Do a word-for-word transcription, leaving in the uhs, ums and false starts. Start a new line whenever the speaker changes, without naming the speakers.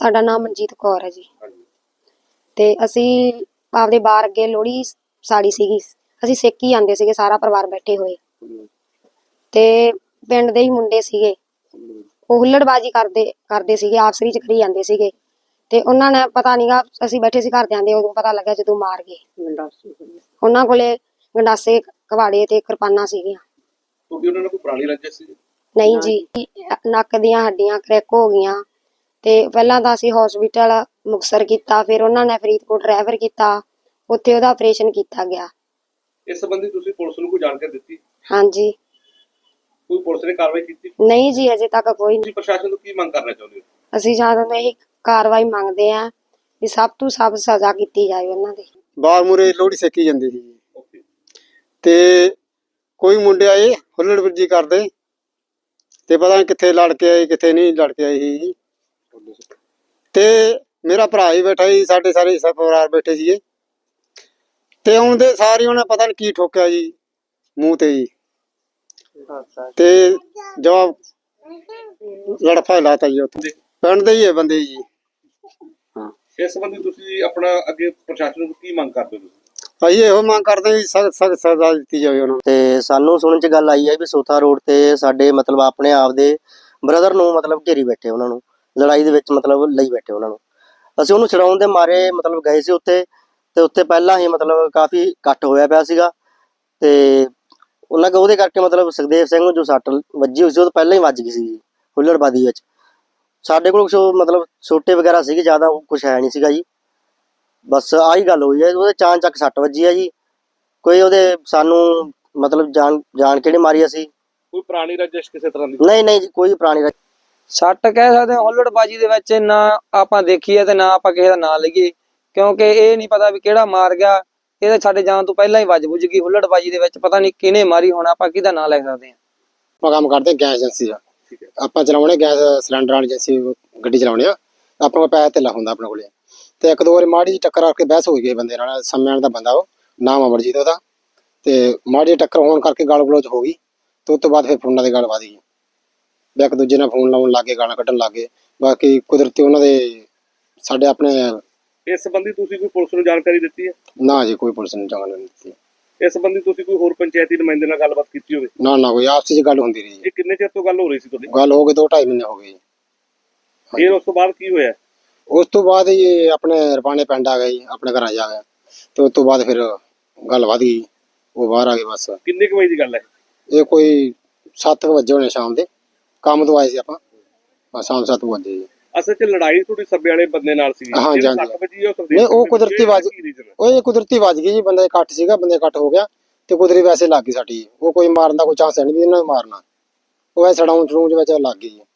ਸਾਡਾ ਨਾਮ ਮਨਜੀਤ ਕੌਰ ਹੈ ਜੀ। ਤੇ ਅਸੀਂ ਆਪਦੇ ਬਾਹਰ ਅੱਗੇ ਲੋਹੜੀ ਸਾੜੀ ਸੀਗੀ, ਅਸੀਂ ਸੇਕੀ ਜਾਂਦੇ ਸੀਗੇ ਸਾਰਾ ਪਰਿਵਾਰ ਬੈਠੇ ਹੋਏ। ਤੇ ਪਿੰਡ ਦੇ ਹੀ ਮੁੰਡੇ ਸੀਗੇ, ਉਹ ਹੁੱਲੜਬਾਜੀ ਕਰਦੇ ਕਰਦੇ ਸੀਗੇ, ਆਪਸ ਵਿੱਚ ਕਰੀ ਜਾਂਦੇ ਸੀਗੇ। ਤੇ ਉਹਨਾਂ ਨੇ ਪਤਾ ਨੀਗਾ, ਅਸੀਂ ਬੈਠੇ ਸੀ ਘਰਦਿਆਂ ਦੇ, ਉਦੋਂ ਪਤਾ ਲੱਗਾ ਜਦੋਂ ਮਾਰ ਗਏ। ਉਹਨਾਂ ਕੋਲੇ ਗੰਡਾਸੇ, ਕਵਾੜੇ ਤੇ ਕਿਰਪਾਨਾਂ ਸੀਗੀਆਂ।
ਤੁਹਾਡੀ ਉਹਨਾਂ ਨਾਲ ਕੋਈ ਪੁਰਾਣੀ ਰੰਜਿਸ਼ ਸੀ?
ਨਹੀਂ ਜੀ, ਨੱਕ ਦੀਆਂ ਹੱਡੀਆਂ ਕਰੈਕ ਹੋ ਗਈਆਂ। ਤੇ ਪਹਿਲਾਂ ਤਾਂ ਅਸੀਂ ਹਸਪੀਟਲ ਮੁਕਤਸਰ ਕੀਤਾ, ਫਿਰ ਉਹਨਾਂ ਨੇ ਫਰੀਦਕੋਟ ਰੈਫਰ ਕੀਤਾ, ਉੱਥੇ ਉਹਦਾ ਆਪਰੇਸ਼ਨ ਕੀਤਾ ਗਿਆ।
ਇਸ ਸੰਬੰਧੀ ਤੁਸੀਂ ਪੁਲਿਸ ਨੂੰ ਕੋਈ ਜਾਣਕਾਰੀ ਦਿੱਤੀ?
ਹਾਂਜੀ।
ਕੋਈ ਪੁਲਿਸ ਨੇ ਕਾਰਵਾਈ ਕੀਤੀ?
ਨਹੀਂ ਜੀ, ਅਜੇ ਤੱਕ ਕੋਈ ਨਹੀਂ।
ਪ੍ਰਸ਼ਾਸਨ ਤੋਂ ਕੀ ਮੰਗ ਕਰਨਾ ਚਾਹੁੰਦੇ ਹੋ?
ਅਸੀਂ ਜ਼ਿਆਦਾ ਤਾਂ ਇਹੀ ਕਾਰਵਾਈ ਮੰਗਦੇ ਆ ਵੀ ਸਭ ਤੋਂ ਸਭ ਸਜ਼ਾ ਕੀਤੀ ਜਾਏ ਉਹਨਾਂ ਦੀ।
ਬਾਹਰ ਮੂਰੇ ਲੋਹੜੀ ਸੇਕੀ ਜਾਂਦੀ ਸੀ ਤੇ ਕੋਈ ਮੁੰਡੇ ਆਏ ਹੁੱਲੜਬਾਜੀ ਕਰਦੇ ਤੇ ਪਤਾ ਨਹੀਂ ਕਿੱਥੇ ਲੜ ਕੇ ਆਏ ਕਿੱਥੇ ਨਹੀਂ ਲੜ ਕੇ ਆਏ ਸੀ। ਤੇ ਮੇਰਾ ਭਰਾ ਹੀ ਬੈਠਾ ਸੀ, ਸਾਡੇ ਸਾਰੇ ਪਰਿਵਾਰ ਬੈਠੇ ਸੀਗੇ। ਤੇ ਆਉਂਦੇ ਸਾਰੀ ਉਹਨੇ ਪਤਾ ਨਹੀਂ ਕੀ ਠੋਕਿਆ ਜੀ ਮੂੰਹ ਤੇ ਜੀ, ਤੇ ਜਵਾਬ ਲੜਫਾ ਲਾਤਾ ਜੀ। ਉੱਥੇ ਪਿੰਡ ਦੇ ਹੀ ਹੈ ਬੰਦੇ ਜੀ। ਹਾਂ,
ਇਸ ਸੰਬੰਧੀ ਤੁਸੀਂ ਆਪਣਾ ਅੱਗੇ ਪ੍ਰਸ਼ਾਸਨ ਨੂੰ ਕੀ ਮੰਗ ਕਰਦੇ ਹੋ?
ਅਸੀਂ ਇਹੋ ਮੰਗ ਕਰਦੇ ਹਾਂ ਸਖਤ ਸਖਤ ਸਜ਼ਾ ਦਿੱਤੀ ਜਾਵੇ ਉਹਨਾਂ ਨੂੰ।
ਤੇ ਸਾਨੂੰ ਸੁਣਨ ਚ ਗੱਲ ਆਈ ਹੈ ਵੀ ਸੋਥਾ ਰੋਡ ਤੇ ਸਾਡੇ ਮਤਲਬ ਆਪਣੇ ਆਪ ਦੇ ਬ੍ਰਦਰ ਨੂੰ ਮਤਲਬ ਘੇਰੀ ਬੈਠੇ, ਉਹਨਾਂ ਨੂੰ ਲੜਾਈ ਦੇ ਵਿੱਚ ਮਤਲਬ ਲਈ ਬੈਠੇ ਉਹਨਾਂ ਨੂੰ। ਅਸੀਂ ਉਹਨੂੰ ਛਡਾਉਣ ਦੇ ਮਾਰੇ ਮਤਲਬ ਗਏ ਸੀ ਉੱਥੇ, ਤੇ ਉੱਥੇ ਪਹਿਲਾਂ ਹੀ ਮਤਲਬ ਕਾਫੀ ਇਕੱਠ ਹੋਇਆ ਪਿਆ ਸੀਗਾ। ਤੇ ਉਹਨਾਂ ਕੋ ਉਹਦੇ ਕਰਕੇ ਮਤਲਬ ਸੁਖਦੇਵ ਸਿੰਘ ਨੂੰ ਜੋ ਸੱਟ ਵੱਜੀ ਹੋਈ ਸੀ ਉਹ ਤਾਂ ਪਹਿਲਾਂ ਹੀ ਵੱਜ ਗਈ ਸੀ ਹੁੱਲੜਬਾਜ਼ੀ ਵਿੱਚ। ਸਾਡੇ ਕੋਲ ਮਤਲਬ ਛੋਟੇ ਵਗੈਰਾ ਸੀਗੇ, ਜ਼ਿਆਦਾ ਕੁਛ ਹੈ ਨਹੀਂ ਸੀਗਾ ਜੀ। ਬਸ ਆਹੀ ਗੱਲ ਹੋਈ ਹੈ, ਉਹਦੇ ਚਾਂ ਚੱਕ ਸੱਟ ਵੱਜੀ ਹੈ ਜੀ। ਕੋਈ ਉਹਦੇ ਸਾਨੂੰ ਮਤਲਬ ਜਾਣ ਜਾਣ ਕੇ ਨਹੀਂ ਮਾਰੀ ਅਸੀਂ।
ਕੋਈ ਪੁਰਾਣੀ ਰੰਜਿਸ਼ ਕਿਸੇ ਤਰ੍ਹਾਂ ਦੀ?
ਨਹੀਂ ਨਹੀਂ ਜੀ, ਕੋਈ ਪੁਰਾਣੀ ਰੰਜਿਸ਼।
ਸੱਟ ਕਹਿ ਸਕਦੇ ਹਾਂ ਹੁੱਲੜਬਾਜੀ ਦੇ ਵਿੱਚ, ਨਾ ਆਪਾਂ ਦੇਖੀਏ ਤੇ ਨਾ ਆਪਾਂ ਕਿਸੇ ਦਾ ਨਾਂ ਲਈਏ, ਕਿਉਂਕਿ ਇਹ ਨਹੀਂ ਪਤਾ ਵੀ ਕਿਹੜਾ ਮਾਰ ਗਿਆ। ਇਹ ਸਾਡੇ ਜਾਣ ਤੋਂ ਪਹਿਲਾਂ ਹੀ ਵੱਜ ਬੁੱਝ ਗਈ ਹੁੱਲੜਬਾਜੀ ਦੇ ਵਿੱਚ, ਪਤਾ ਨਹੀਂ ਕਿਹਨੇ ਮਾਰੀ ਹੋਣਾ, ਆਪਾਂ ਕਿਹਦਾ ਨਾਂ ਲੈ ਸਕਦੇ ਹਾਂ।
ਆਪਾਂ ਕੰਮ ਕਰਦੇ ਗੈਸ ਏਜੰਸੀ ਦਾ, ਆਪਾਂ ਚਲਾਉਣੇ ਗੈਸ ਸਿਲੰਡਰ ਵਾਲੀ ਏਜੰਸੀ ਗੱਡੀ ਚਲਾਉਣੇ ਆ। ਆਪਾਂ ਕੋਲ ਪੈਸਾ ਧੇਲਾ ਹੁੰਦਾ ਆਪਣੇ ਕੋਲੇ। ਤੇ ਇੱਕ ਦੋ ਵਾਰੀ ਮਾੜੀ ਜਿਹੀ ਟੱਕਰ ਆ ਕੇ ਬਹਿਸ ਹੋ ਗਈ ਬੰਦੇ ਨਾਲ, ਸਮਿਆਂ ਦਾ ਬੰਦਾ, ਉਹ ਨਾਮ ਅਮਰਜੀਤ ਉਹਦਾ। ਤੇ ਮਾੜੀ ਜਿਹੀ ਟੱਕਰ ਹੋਣ ਕਰਕੇ ਗਾਲ ਗਲੋਚ ਹੋ ਗਈ, ਤੇ ਉਸ ਤੋਂ ਬਾਅਦ ਫਿਰ ਫੋਨਾਂ ਦੀ ਗੱਲ ਵਧ ਗਈ। ਇੱਕ ਦੂਜੇ ਨਾਲ ਫੋਨ ਲਾਉਣ ਲੱਗੇ, ਗਾਲਾਂ ਕੱਢਣ ਲੱਗੇ। ਬਾਕੀ ਕੁਦਰਤੀ ਉਹਨਾਂ ਦੇ ਸਾਡੇ ਆਪਣੇ।
ਇਸ ਸੰਬੰਧੀ ਤੁਸੀਂ ਕੋਈ ਪੁਲਿਸ ਨੂੰ ਜਾਣਕਾਰੀ ਦਿੱਤੀ ਹੈ?
ਨਾ ਜੀ, ਕੋਈ ਪੁਲਿਸ ਨੂੰ ਜਾਣਕਾਰੀ ਨਹੀਂ ਦਿੱਤੀ।
ਇਸ ਸੰਬੰਧੀ ਤੁਸੀਂ ਕੋਈ ਹੋਰ ਪੰਚਾਇਤੀ ਨੁਮਾਇੰਦੇ ਨਾਲ ਗੱਲਬਾਤ ਕੀਤੀ ਹੋਵੇ?
ਨਾ ਨਾ, ਕੋਈ ਆਪਸੀ ਚ ਗੱਲ ਹੁੰਦੀ ਰਹੀ।
ਇਹ ਕਿੰਨੇ ਚਿਰ ਤੋਂ ਗੱਲ ਹੋ ਰਹੀ ਸੀ ਤੁਹਾਡੀ?
ਗੱਲ ਹੋ ਗਈ ਦੋ ਢਾਈ ਮਹੀਨੇ ਹੋ ਗਏ।
ਫਿਰ ਉਸ ਤੋਂ ਬਾਅਦ ਕੀ ਹੋਇਆ?
ਉਸ ਤੋਂ ਬਾਅਦ ਇਹ ਆਪਣੇ ਰਪਾਣੇ ਪਿੰਡ ਆ ਗਏ, ਆਪਣੇ ਘਰਾਂ ਜਾ ਗਿਆ। ਤੇ ਉਸ ਤੋਂ ਬਾਅਦ ਫਿਰ ਗੱਲ ਵਧ ਗਈ, ਉਹ ਬਾਹਰ ਆ ਗਏ। ਬਸ
ਕਿੰਨੇ ਕੁ ਵਜੇ ਦੀ ਗੱਲ ਹੈ
ਇਹ? ਕੋਈ ਸੱਤ ਵਜੇ ਹੋਣੇ ਸ਼ਾਮ ਦੇ, ਕੰਮ ਤੋਂ ਆਏ ਸੀ ਆਪਾਂ, ਸ਼ਾਮ ਸੱਤ ਵਜੇ ਜੀ।
ਅਸਲ ਚ ਲੜਾਈ ਤੁਹਾਡੀ ਸੱਬੇ ਵਾਲੇ ਬੰਦੇ ਨਾਲ ਸੀ?
ਹਾਂਜੀ ਹਾਂਜੀ। ਨਹੀਂ, ਉਹ ਕੁਦਰਤੀ ਵੱਜ ਉਹ ਕੁਦਰਤੀ ਵੱਜ ਗਈ ਜੀ। ਬੰਦਾ ਇਕੱਠ ਸੀਗਾ, ਬੰਦੇ ਇਕੱਠ ਹੋ ਗਿਆ ਤੇ ਕੁਦਰਤੀ ਵੈਸੇ ਲੱਗ ਗਈ ਸਾਡੀ। ਉਹ ਕੋਈ ਮਾਰਨ ਦਾ ਕੋਈ ਚਾਂਸ ਹੈ ਨਹੀਂ ਵੀ ਇਹਨਾਂ ਨੂੰ ਮਾਰਨਾ, ਉਹ ਐ ਸੜਾਉਣ ਚੜੂਣ ਵਿੱਚ ਲੱਗ ਗਈ ਜੀ।